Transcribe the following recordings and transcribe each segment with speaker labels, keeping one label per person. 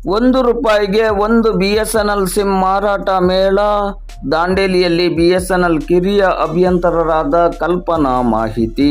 Speaker 1: ₹1ಗೆ ಒಂದು BSNL sim ಮಾರಾಟ ಮೇಳ. ದಾಂಡೇಲಿಯಲ್ಲಿ BSNL ಕಿರಿಯ ಅಭಿಯಂತರರಾದ ಕಲ್ಪನಾ ಮಾಹಿತಿ.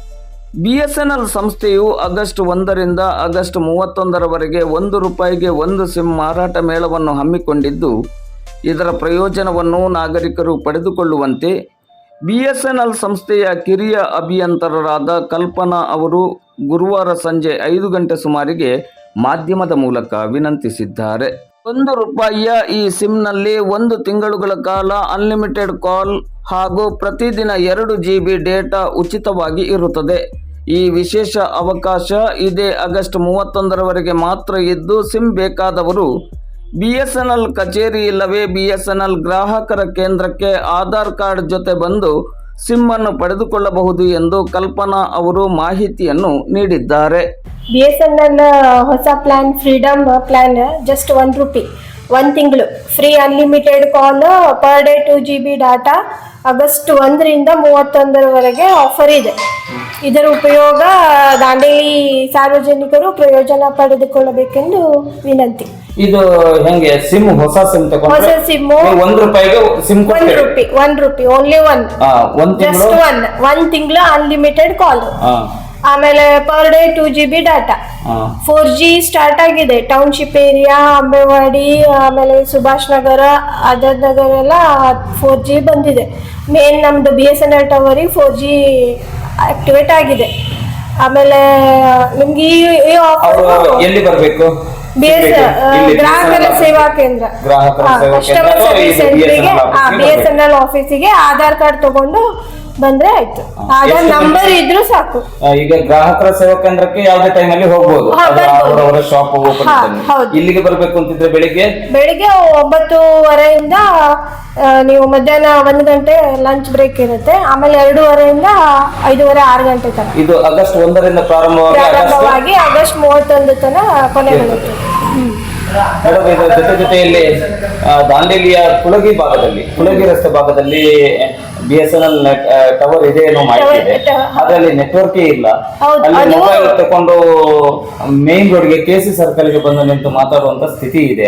Speaker 1: BSNL ಸಂಸ್ಥೆಯು ಆಗಸ್ಟ್ 1ರಿಂದ ಆಗಸ್ಟ್ 31ರವರೆಗೆ ₹1ಗೆ ಒಂದು ಸಿಮ್ ಮಾರಾಟ ಮೇಳವನ್ನು ಹಮ್ಮಿಕೊಂಡಿದ್ದು, ಇದರ ಪ್ರಯೋಜನವನ್ನು ನಾಗರಿಕರು ಪಡೆದುಕೊಳ್ಳುವಂತೆ BSNL ಸಂಸ್ಥೆಯ ಕಿರಿಯ ಅಭಿಯಂತರರಾದ ಕಲ್ಪನಾ ಅವರು ಗುರುವಾರ ಸಂಜೆ 5 ಗಂಟೆ ಸುಮಾರಿಗೆ ಮಾಧ್ಯಮದ ಮೂಲಕ ವಿನಂತಿಸಿದ್ದಾರೆ. ₹1 ಈ ಸಿಮ್ನಲ್ಲಿ 1 ತಿಂಗಳುಗಳ ಕಾಲ ಅನ್ಲಿಮಿಟೆಡ್ ಕಾಲ್ ಹಾಗೂ ಪ್ರತಿದಿನ 2 GB ಡೇಟಾ ಉಚಿತವಾಗಿ ಇರುತ್ತದೆ. ಈ ವಿಶೇಷ ಅವಕಾಶ ಇದೇ ಆಗಸ್ಟ್ 31ರವರೆಗೆ ಮಾತ್ರ ಇದ್ದು, ಸಿಮ್ ಬೇಕಾದವರು BSNL ಕಚೇರಿ ಇಲ್ಲವೇ BSNL ಗ್ರಾಹಕರ ಕೇಂದ್ರಕ್ಕೆ ಆಧಾರ್ ಕಾರ್ಡ್ ಜೊತೆ ಬಂದು ಸಿಮ್ ಅನ್ನು ಪಡೆದುಕೊಳ್ಳಬಹುದು ಎಂದು ಕಲ್ಪನಾ ಅವರು ಮಾಹಿತಿಯನ್ನು ನೀಡಿದ್ದಾರೆ.
Speaker 2: BSNL ಹೊಸ ಪ್ಲಾನ್ ಫ್ರೀಡಮ್ ಪ್ಲಾನ್ ಜಸ್ಟ್ ₹1, 1 ತಿಂಗಳು free unlimited call per day 2 GB data August 1ರಿಂದ 31ರವರೆಗೆ ಆಫರ್ ಇದೆ. ಇದರ ಉಪಯೋಗ ದಾಂಡೇಲಿ ಸಾರ್ವಜನಿಕರು ಪ್ರಯೋಜನ ಪಡೆದುಕೊಳ್ಳಬೇಕೆಂದು ವಿನಂತಿ.
Speaker 1: ಇದು ಹೆಂಗೆ ಸಿಮ್ ಹೊಸ ಸಿಮ್ ತಗೊಂಡ್ರೆ
Speaker 2: ಹೊಸ ಸಿಮ್
Speaker 1: ₹1ಗೆ ಸಿಮ್
Speaker 2: ₹1 ಓನ್ಲಿ ಜಸ್ಟ್ ಒನ್ ತಿಂಗಳು ಅನ್ಲಿಮಿಟೆಡ್ ಕಾಲ್, ಆಮೇಲೆ per day 2 GB data. 4G start ಆಗಿದೆ. ಟೌನ್ಶಿಪ್ ಏರಿಯಾ, ಅಂಬೇವಾಡಿ, ಆಮೇಲೆ ಸುಭಾಷ್ ನಗರ, ಆಜಾದ್ ನಗರ ಎಲ್ಲ 4G ಬಂದಿದೆ. ಮೇನ್ ನಮ್ದು BSNL ಟವರಿಗೆ 4G ಆಕ್ಟಿವೇಟ್ ಆಗಿದೆ. ಆಮೇಲೆ ನಿಮ್ಗೆ ಈ ಆಫರ್
Speaker 1: ಎಲ್ಲಿ ಬರಬೇಕು?
Speaker 2: ಗ್ರಾಹಕರ ಸೇವಾ ಕೇಂದ್ರ, ಕಸ್ಟಮರ್ ಸರ್ವಿಸ್ ಸೆಂಟರ್ಗೆ, BSNL ಆಫೀಸಿಗೆ ಆಧಾರ್ ಕಾರ್ಡ್ ತಗೊಂಡು ಬಂದ್ರೆ ಆಯ್ತು. ಆಧಾರ್ ನಂಬರ್ ಇದ್ರೂ ಸಾಕು.
Speaker 1: ಈಗ ಗ್ರಾಹಕರ ಸೇವಾ ಕೇಂದ್ರಕ್ಕೆ ಯಾವುದೇ ಟೈಮ್ ಅಲ್ಲಿ ಹೋಗ್ಬೋದು. ಅವರವರ ಶಾಪ್ ಓಪನ್. ಇಲ್ಲಿಗೆ ಬರ್ಬೇಕು ಅಂತಿದ್ರೆ ಬೆಳಿಗ್ಗೆ
Speaker 2: 9:30ಯಿಂದ ನೀವು ಮಧ್ಯಾಹ್ನ 1 ಗಂಟೆ ಲಂಚ್ ಬ್ರೇಕ್ ಇರುತ್ತೆ. ಆಮೇಲೆ 2:30ರಿಂದ 5:30, 6 ಗಂಟೆ ತನಕ.
Speaker 1: ಇದು ಆಗಸ್ಟ್ 1ರಿಂದ ಪ್ರಾರಂಭವಾಗಿ
Speaker 2: ಆಗಸ್ಟ್ 31 ತನಕ ಕೊನೆಗೊಳ್ಳುತ್ತೆ.
Speaker 1: ಮೇಡಮ್, ಇದರ ಜೊತೆಯಲ್ಲಿ ದಾಂಡೇಲಿಯ ಕುಳಗಿ ರಸ್ತೆ ಭಾಗದಲ್ಲಿ BSNL ಟವರ್ ಇದೆ ಅನ್ನೋ ಮಾಹಿತಿ ಇದೆ. ಅದರಲ್ಲಿ ನೆಟ್ವರ್ಕೇ ಇಲ್ಲ. ಅಲ್ಲಿ ಮೊಬೈಲ್ ತಕೊಂಡು ಮೇನ್ ರೋಡ್ಗೆ KC ಸರ್ಕಲ್ಗೆ ಬಂದು ನಿಂತು ಮಾತಾಡುವಂತ ಸ್ಥಿತಿ ಇದೆ.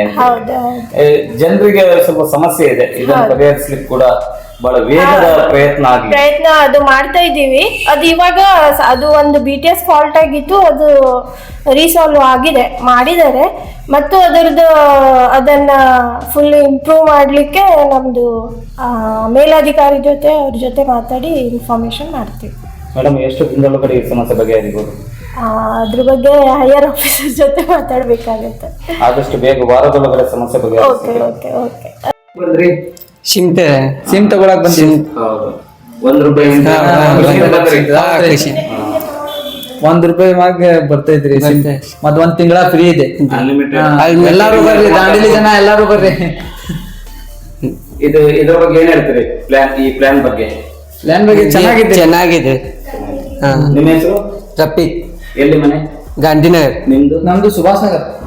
Speaker 1: ಜನರಿಗೆ ಸ್ವಲ್ಪ ಸಮಸ್ಯೆ ಇದೆ. ಇದನ್ನು ಪರಿಹರಿಸಲಿಕ್ಕೆ ಕೂಡ ಬಹಳ ವೇಗದ ಪ್ರಯತ್ನ
Speaker 2: ಅದು ಮಾಡ್ತಾ ಇದ್ದೀವಿ. ಅದು ಇವಾಗ ಅದು ಒಂದು BTS ಫಾಲ್ಟ್ ಆಗಿತ್ತು, ಅದು ರೀಸಾಲ್ವ್ ಮಾಡಿದ್ದಾರೆ. ಮತ್ತು ಅದನ್ನ ಫುಲ್ ಇಂಪ್ರೂವ್ ಮಾಡಲಿಕ್ಕೆ ನಮ್ದು ಮೇಲಾಧಿಕಾರಿ ಅವ್ರ ಜೊತೆ ಮಾತಾಡಿ ಇನ್ಫಾರ್ಮೇಶನ್ ಮಾಡ್ತೀವಿ.
Speaker 1: ಮೇಡಮ್, ಎಷ್ಟು ದಿನದೊಳಗಡೆ ಈ ಸಮಸ್ಯೆ ಬಗೆಹರಿಬಹುದು?
Speaker 2: ಅದ್ರ ಬಗ್ಗೆ ಹೈಯರ್ ಆಫೀಸರ್ ಜೊತೆ ಮಾತಾಡ್ಬೇಕಾಗುತ್ತೆ.
Speaker 1: ಆದಷ್ಟು ಬೇಗ ವಾರದೊಳಗಡೆ ಸಮಸ್ಯೆ ಬಗೆಹರಿಸಿ.
Speaker 3: ಸಿಮ್ ತಗೊಳಕ್ ಬಂದಿವಿ. ₹1 ಮ್ಯಾಗ ಬರ್ತೈತ್ರಿ ಸಿಮ್. ಮತ್ 1 ತಿಂಗಳ ಫ್ರೀ ಇದೆ. ಎಲ್ಲಾರು ಬರ್ರಿ, ದಾಂಡೇಲಿ ಜನ ಎಲ್ಲಾರು ಬರ್ರಿ.
Speaker 1: ಇದ್ರ ಬಗ್ಗೆ ಏನ್ ಹೇಳ್ತೀರಿ? ಈ ಪ್ಲಾನ್ ಬಗ್ಗೆ
Speaker 3: ಚೆನ್ನಾಗಿದೆ.
Speaker 1: ನಿಮ್ಮ ಹೆಸರು?
Speaker 3: ರಫೀಕ್.
Speaker 1: ಎಲ್ಲಿ ಮನೆ?
Speaker 3: ಗಾಂಧಿನಗರ್.
Speaker 1: ನಿಮ್ದು?
Speaker 3: ನಮ್ದು ಸುಭಾಷ್ ನಗರ್.